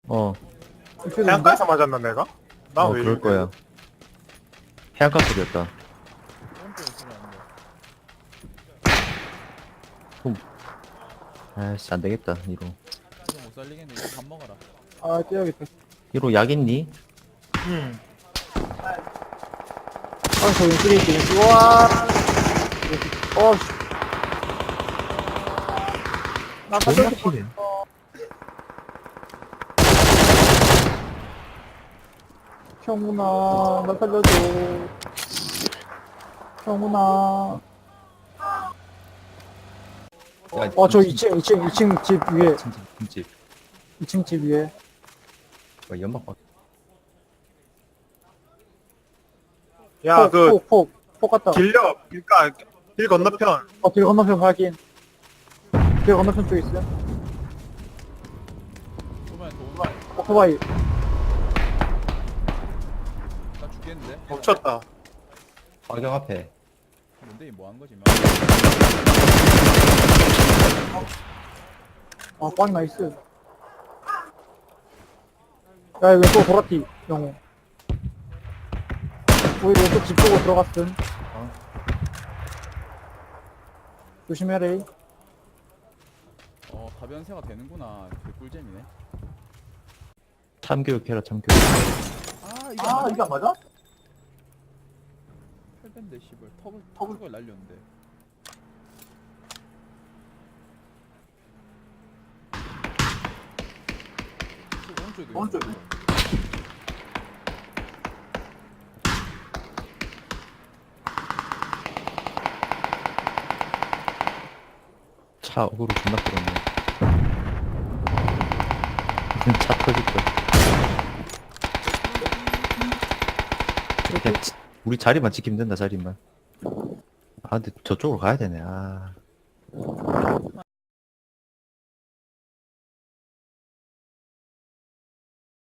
어, 해안가에서 맞았나 내가? 나 왜 그럴 거야. 해안가 소리였다. 오른쪽에 소리 나는데. 아이씨, 안 되겠다, 이로. 이거 못 살리겠네. 이거 밥 먹어라. 아, 뛰어야겠다. 이로 약 있니? 응. 아, 저 왼쪽에 있지, 왼쪽. 우와! 씨. 나 존나 살려줘. 피네. 형훈아, 나 살려줘. 형훈아. 야, 저 2층 집 위에. 진짜, 진짜. 2층 집 위에. 연막 봐. 야, 폭 갔다. 길옆, 그니까, 길 건너편. 길 건너편 확인. 길 건너편 쪽에 있어요. 오면 또 오토바이. 오토바이. 나 죽겠는데? 멈췄다. 화경 앞에. 뭔데 이 뭐 한 거지? 꽝 나이스. 야, 왼쪽 보라티, 영호. 우리 왼쪽 집 쪽으로 들어갔음. 조심해라. 가변세가 되는구나. 개꿀잼이네. 참교육해라, 참교육. 이게 안 맞아? 8밴데 씨발 턱을 날렸는데. 오른쪽에도 있어. 차 어그로 존나 끌었네. 차 터질 거야. 그냥 우리 자리만 지키면 된다, 자리만. 아, 근데 저쪽으로 가야 되네, 아.